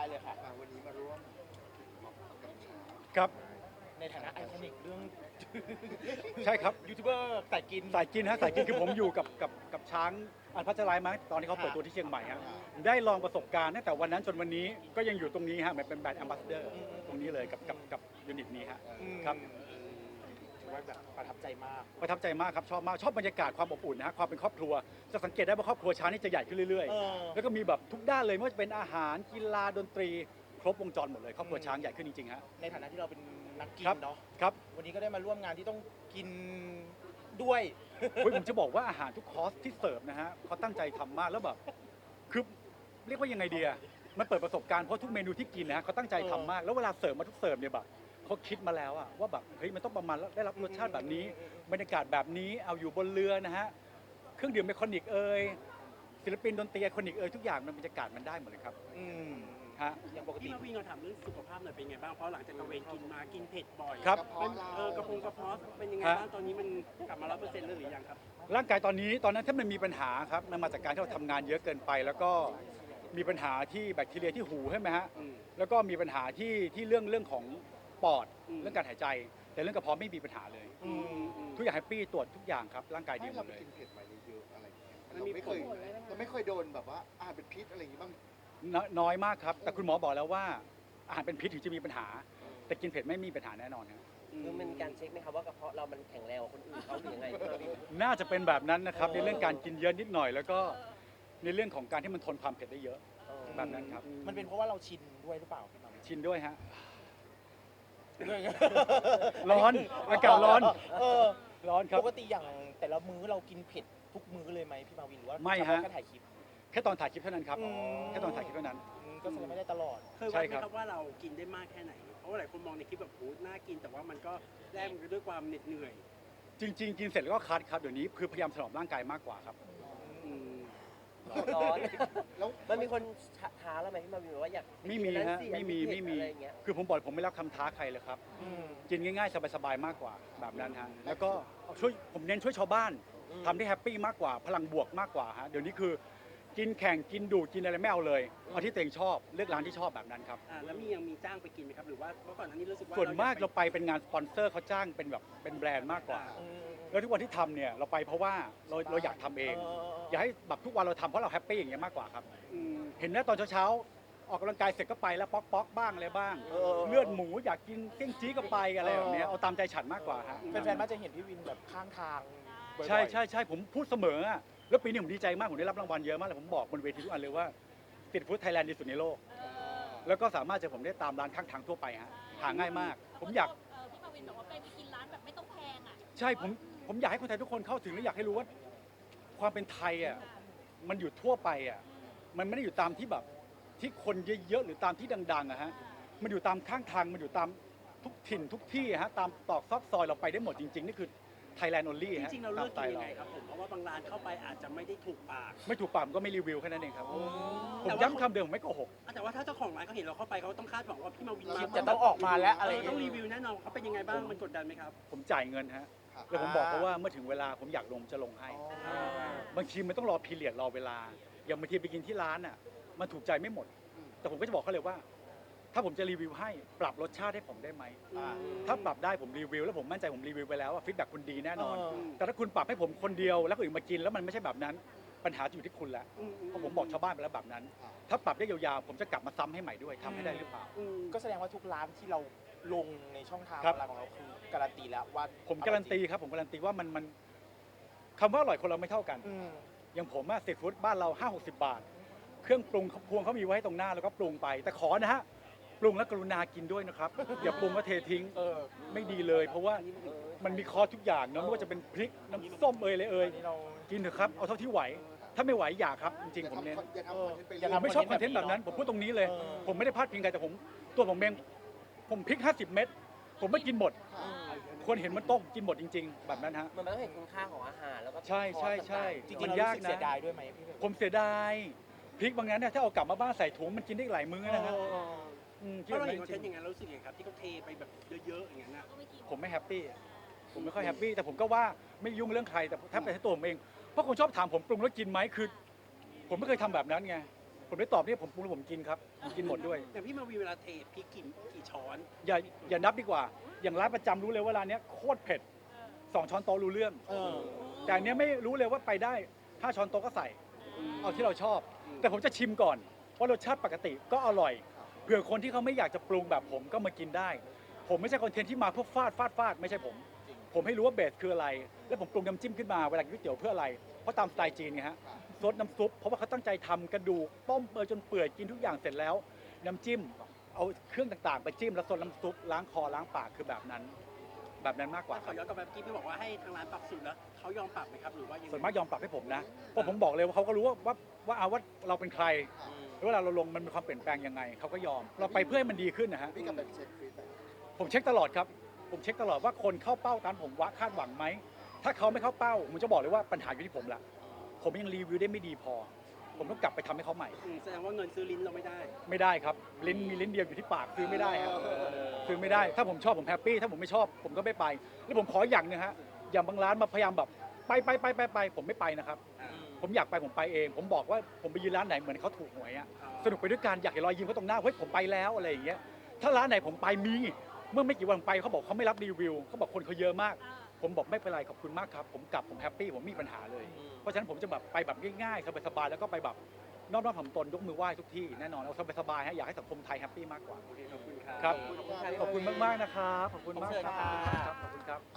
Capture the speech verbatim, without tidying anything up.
เลยค่ะวันนี้มาร่วมกับช้างครับในฐานะไอคอนิกเรื่องใช่ครับยูทูบเบอร์สายกินสายกินฮะสายกินคือผมอยู่กับกับกับช้างอันพัชรายมาตอนที่เขาเปิดตัวที่เชียงใหม่ฮะได้ลองประสบการณ์ตั้งแต่วันนั้นจนวันนี้ก็ยังอยู่ตรงนี้ฮะเป็นแบรนด์แอมบาสเดอร์ตรงนี้เลยกับกับกับยูนิตนี้ฮะครับถือว่าแบบประทับใจมากประทับใจมากครับชอบมากชอบบรรยากาศความอบอุ่นนะฮะความเป็นครอบครัวจะสังเกตได้ว่าครอบครัวช้างนี่จะใหญ่ขึ้นเรื่อยๆแล้วก็มีแบบทุกด้านเลยไม่ว่าจะเป็นอาหารกีฬาดนตรีครบวงจรหมดเลยครอบครัวช้างใหญ่ขึ้นจริงๆฮะในฐานะที่เราเป็นนักกินเนาะครับวันนี้ก็ได้มาร่วมงานที่ต้องกินด้วยผมจะบอกว่าอาหารทุกคอร์สที่เสิร์ฟนะฮะเขาตั้งใจทำมากแล้วแบบคือเรียกว่ายังไงดีอะมันเปิดประสบการณ์เพราะทุกเมนูที่กินนะฮะเขาตั้งใจทำมากแล้วเวลาเสิร์ฟมาทุกเสิร์ฟเนี่ยแบบเขาคิดมาแล้วอะว่าแบบเฮ้ยมันต้องประมาณได้รับรสชาติแบบนี้บรรยากาศแบบนี้เอาอยู่บนเรือนะฮะเครื่องดื่มไอคอนิกเอ่ยศิลปินดนตรีไอคอนิกเอ่ยทุกอย่างมันบรรยากาศมันได้หมดเลยครับฮะอย่างปกติพี่มาวินเราถามเรื่องสุขภาพหน่อยเป็นไงบ้างเพราะหลังจากตระเวนกินมากินเผ็ดบ่อยครับมันเออกระพงกระเพาะเป็นยังไงบ้างตอนนี้มันกลับมาร้อยเปอร์เซ็นต์แล้วหรือยังครับร่างกายตอนนี้ตอนนั้นถ้ามันมีปัญหาครับมันมาจากการที่เราทำงานเยอะเกินไป แล้วก็มีปัญหาที่แบคทีเรียที่หูใช่ไหมฮะแล้วก็มีปัญหาที่ที่เรื่องเรื่องของปอดเรื่องการหายใจ แต่เรื่องกระเพาะไม่มีปัญหาเลยทุกอย่างแฮปปี้ตรวจทุกอย่างครับร่างกายดีหมดเลยกินเผ็ดมาเยอะๆอะไรเราไม่เคยเราไม่เคยโดนแบบว่าอาหารเป็นพิษอะไรอย่างงี้บ้างน้อยมากครับแต่คุณหมอบอกแล้วว่าอาหารเป็นพิษถึงจะมีปัญหา แต่กินเผ็ดไม่มีปัญหาแน่นอนครับคือมันมีการเช็คไหมครับว่ากระเพาะเรามันแข็งแรงกว่าคนอื่นเขาหรือยังไงน่าจะเป็นแบบนั้นนะครับในเรื่องการกินเยอะนิดหน่อย แล้วก็ในเรื่องของการที่มันทนความเผ็ดได้เยอะแบบนั้นครับมันเป็นเพราะว่าเราชินด้วยหรือเปล่าพี่มาวินชินด้วยฮะร้อนอากาศร้อนเออร้อนครับปกติอย่างแต่ละมื้อเรากินเผ็ดทุกมื้อเลยไหมพี่มาวินหรือว่าไม่ฮะแค่ถ่ายคลิปแค่ตอนถ่ายคลิปเท่านั้นครับอืมแค่ตอนถ่ายคลิปเท่านั้นอืมก็แสดงไม่ได้ตลอดเคยวัดไหมครับว่าเรากินได้มากแค่ไหน เพราะว่าหลายคนมองในคลิปแบบโอ้น่ากินแต่ว่ามันก็แลกมาด้วยความเหน็ดเหนื่อยจริง ๆ กินเสร็จแล้วก็คัดครับเดี๋ยวนี้คือพยายามถนอมร่างกายมากกว่าครับอืมร้อนแล้วมันมีคนท้าแล้วไหมพี่มาวินว่าอยากไม่มีฮะไม่มีไม่มีอะไรอย่างเงี้ยคือผมบอกผมไม่รับคำท้าใครเลยครับอืมกินง่ายๆ สบายๆ มากกว่าแบบนั้นฮะ แล้วก็ช่วยผมเน้นช่วยชาวบ้านทำได้แฮปปี้มากกว่าพลังบวกมากกว่าฮะ เดี๋ยวนี้คือกินแข่งกินดูดกินอะไรไม่เอาเลยเอาที่ตัวเองชอบเลือกร้านที่ชอบแบบนั้นครับอ่าแล้วมียังมีจ้างไปกินไหมครับหรือว่าเมื่อก่อนอันนี้รู้สึกว่าส่วนมากอยเราไปเป็นงานสปอนเซอร์เขาจ้างเป็นแบบเป็นแบรนด์มากกว่าอืมแล้วทุกวันที่ทำเนี่ยเราไปเพราะว่าเราเราอยากทำเอง อยากให้แบบทุกวันเราทำเพราะเราแฮปปี้อย่างเงี้ยมากกว่าครับอืมเห็นนะตอนเช้าๆออกกำลังกายเสร็จก็ไปแล้วป๊อกป๊อกบ้างอะไรบ้างเออเลือดหมูอยากกินเตี้ยงจี้ก็ไปอะไรแบบเนี้ยเอาตามใจฉันมากกว่าฮะแฟนๆมักจะเห็นพี่วินแบบข้างทางบ่อยๆใช่ใช่ใช่ผมพูดเสมออะแล้วปีนี้ผมดีใจมากผมได้รับรางวัลเยอะมากเลยผมบอกบนเวทีทุกอันเลยว่าติดฟู้ดไทยแลนด์ดีสุดในโลก แล้วก็สามารถจะผมได้ตามร้านข้างทางทั่วไปฮะหาง่ายมาก ผมอยากเออพี่มาวินบอกว่าไปกินร้านแบบไม่ต้องแพงอ่ะใช่ผมผมอยากให้คนไทยทุกคนเข้าถึงและอยากให้รู้ว่า ความเป็นไทยอ่ะมันอยู่ทั่วไปอ่ะมันไม่ได้อยู่ตามที่แบบที่คนเยอะๆหรือตามที่ดังๆอะฮะมันอยู่ตามข้างทางมันอยู่ตามทุกถิ่นทุกที่ฮะตามตอกซอกซอยเราไปได้หมดจริงๆนี่คือไทยแลนด์ออนลี่จฮะริงๆเราเลือกตกินมยังสไงตล์ครับผมเพราะว่าบางร้านเข้าไปอาจจะไม่ได้ถูกปากไม่ถูกปากผมก็ไม่รีวิวแค่นั้นเองครับผมแต่ว่าย้ำคำเดิมผมไม่โกหกอ่ะแต่ว่าถ้าเจ้าของร้านเขาเห็นเราเข้าไปเขาต้องคาดหวังว่าพี่มาวินคลิปจะต้องออกมาแล้วอะไรเออย่างอต้เงี้อย งรีวิวแน่นอนเขาเป็นยังไงบ้างมันกดดันไหมครับผมจ่ายเงินฮะแล้วผมบอกเขาว่าเมื่อถึงเวลาผมอยากลงจะลงให้ บางทีมันต้องรอพีเรียดรอเวลา อย่างบางทีไปกินที่ร้านอ่ะ มันถูกใจไม่หมด แต่ผมก็จะบอกเขาเลยว่า ถ้าผมจะรีวิวให้ปรับรสชาติให้ผมได้ไหมอืมถ้าปรับได้ผมรีวิวแล้วผมมั่นใจผมรีวิวไปแล้วว่าฟีดแบ็กคุณดีแน่นอนเออแต่ถ้าคุณปรับให้ผมคนเดียวแล้วคนอื่นมากินแล้วมันไม่ใช่แบบนั้น ปัญหาจะอยู่ที่คุณแล้วอืมเพราะผมบอกชาวบ้านไปแล้วแบบนั้น ถ้าปรับได้ยาวๆผมจะกลับมาซ้ำให้ใหม่ด้วยทำให้ได้หรือเปล่าอืมก็แสดงว่าทุกร้านที่เราลงในช่องทางอครับอนไลน์ของเราคือการันตีแล้วว่าผมการันตีครับผมการันตีว่ามันมันคำว่าอร่อยคนเราไม่เท่ากันอืมอย่างผมอะสตรีทฟู้ดบ้านเราห้าหกสิบบาท เครื่องปรุงพวงเขามีไว้ให้ตรงหน้าแล้วก็ปรุงไป แต่ขอนะฮะปรุงแล้วกรุณากินด้วยนะครับ อย่าปรุงแล้วเททิ้งเออไม่ดีเลย เพราะว่ามันมีคอร์สทุกอย่างเนอะไม่ว่าจะเป็นพริกน้ำส้มเอยเลยเอยอันนี้เรากินเถอะครับเอาเท่าที่ไหว ถ้าไม่ไหวอย่าครับจริงๆผมเน้นอย่าทำคอนเทนต์ไปอย่าผทำมไม่ชอบคอนเทนต์แบบนั้นผมพูดตรงนี้เลยเออผมไม่ได้พลาดพิงใครแต่ผมตัวผมเองผมพริกห้าสิบเม็ดผมไม่กินหมดควรเห็นมันโต๊ะกินหมดจริง ๆ แบบนั้นฮะมันต้องเห็นคุณค่าของอาหารแล้วก็ใช่ใช่ใช่จริงมัๆนเรายากรู้สึกนะเสียดายด้วยไหมพี่เบลผมเสียดายพริกบางนั้นเนี่ยถ้าเอากลับมาบ้านใส่ถุงมันกินได้หลายมื้อนะฮะเออเอออืมเพคิดราะแบเราบนั้เห็นนคอนจเทนริงต์อย่างนั้นเรารู้สึกยังไงครับที่เขาเทไปแบบเยอะๆอย่างนั้นนะก็ไม่กินผมไม่แฮปปี้ผมไม่ค่อยแฮปปี้แต่ผมก็ว่าไม่ยุ่งเรื่องใครแต่ถ้าเป็นตัวผมเองเพราะคนชอบถามผมปรุงแล้วกินไหมคือ ผมไม่เคยทำแบบนั้นไงผมได้ตอบเนี่ยผมปรุงแล้วผมกินครับผมกินหมดด้วยแต่พี่มาวีเวลาเทพริกกี่กี่ช้อนอย่าอย่านับดีกว่า อย่างร้านประจำรู้เลยว่าร้านเนี้ยโคตรเผ็ดสองช้อนโต๊ะรู้เรื่องเออแต่อันเนี้ยไม่รู้เลยว่าไปได้ห้าช้อนโต๊ะก็ใส่ เอาที่เราชอบ แต่ผมจะชิมก่อนว่ารสชาติปกติก็อร่อยเผื่อคนที่เขาไม่อยากจะปรุงแบบผมก็มากินได้ ผมไม่ใช่คอนเทนต์ที่มาเพื่อฟาดฟาดฟาดไม่ใช่ผม ผมให้รู้ว่าเบสคืออะไร แล้วผมปรุงน้ำจิ้มขึ้นมาเวลากินก๋วยเตี๋ยวเพื่ออะไร เพราะตามสไตล์จีนไงฮะซดน้ำซุปเพราะว่าเขาตั้งใจทำกระดูกต้มเปื่อยจนเปื่อยกินทุกอย่างเสร็จแล้ว น้ำจิ้มเอาเครื่องต่างๆ ไปจิ้มแล้วซดน้ำซุปล้างคอล้างปากคือแบบนั้น แบบนั้นมากกว่าขอย้อนกลับไปเมื่อกี้พี่บอกว่าให้ทางร้านปรับสูตรแล้วเขายอมปรับไหมครับหรือว่ายังไงส่วนมากยอมปรับให้ผมนะเพราะผมบอกเลยว่าเขาก็รู้ว่าว่าว่าเอาว่าเราเป็นใครแล้วเวลาเราลงมันมีความเปลี่ยนแปลงยังไงเขาก็ยอม เราไปเพื่อให้มันดีขึ้นนะฮะพี่กลับไปเช็คฟีดแบ็กผมเช็คตลอดครับ ผมเช็คตลอดว่าคนเข้าเป้าตามผมว่าคาดหวังไหม ถ้าเขาไม่เข้าเป้า ผมจะบอกเลยว่าปัญหาอยู่ที่ผมละ ผมยังรีวิวได้ไม่ดีพอ ผมต้องกลับไปทำให้เขาใหม่อืมแสดงว่าเงินซื้อลิ้นเราไม่ได้ไม่ได้ครับ ลิ้นมีลิ้นเดียวอยู่ที่ปากซื้อไม่ได้ครับซื้อไม่ได้ ถ้าผมชอบผมแฮปปี้ ถ้าผมไม่ชอบผมก็ไม่ไป แล้วผมขออย่างหนึงฮะ อย่างบางร้านมาพยายามแบบไปไปไปไปไปผมไม่ไปนะครับ ผมอยากไปผมไปเอง ผมบอกว่าผมไปยืนร้านไหนเหมือนเขาถูกหวยอะสนุกไปด้วยกันอยากเห็นรอยยิ้มเขาตรงหน้า เฮ้ยผมไปแล้วอะไรอย่างเงี้ย ถ้าร้านไหนผมไปมี เมื่อไม่กี่วันผมไปเขาบอกเขาไม่รับรีวิวเขาบอกคนเขาเยอะมาก ผมบอกไม่เป็นไรขอบคุณมากครับ ผมกลับผมแฮปปี้ผมไม่มีปัญหาเลย เพราะฉะนั้นผมจะแบบไปแบบง่ายๆสบายๆแล้วก็ไปแบบนอบน้อมถ่อมตนยกมือไหว้ทุกที่แน่นอนเอาสบายๆฮะอยากให้สังคมไทยแฮปปี้มากกว่าโอเคขอบคุณครับครับขอบคุณค่ะพี่ขอบคุณมากๆนะครับขอบคุณมากขอบคุณคค่ะรับขอบคุณครับ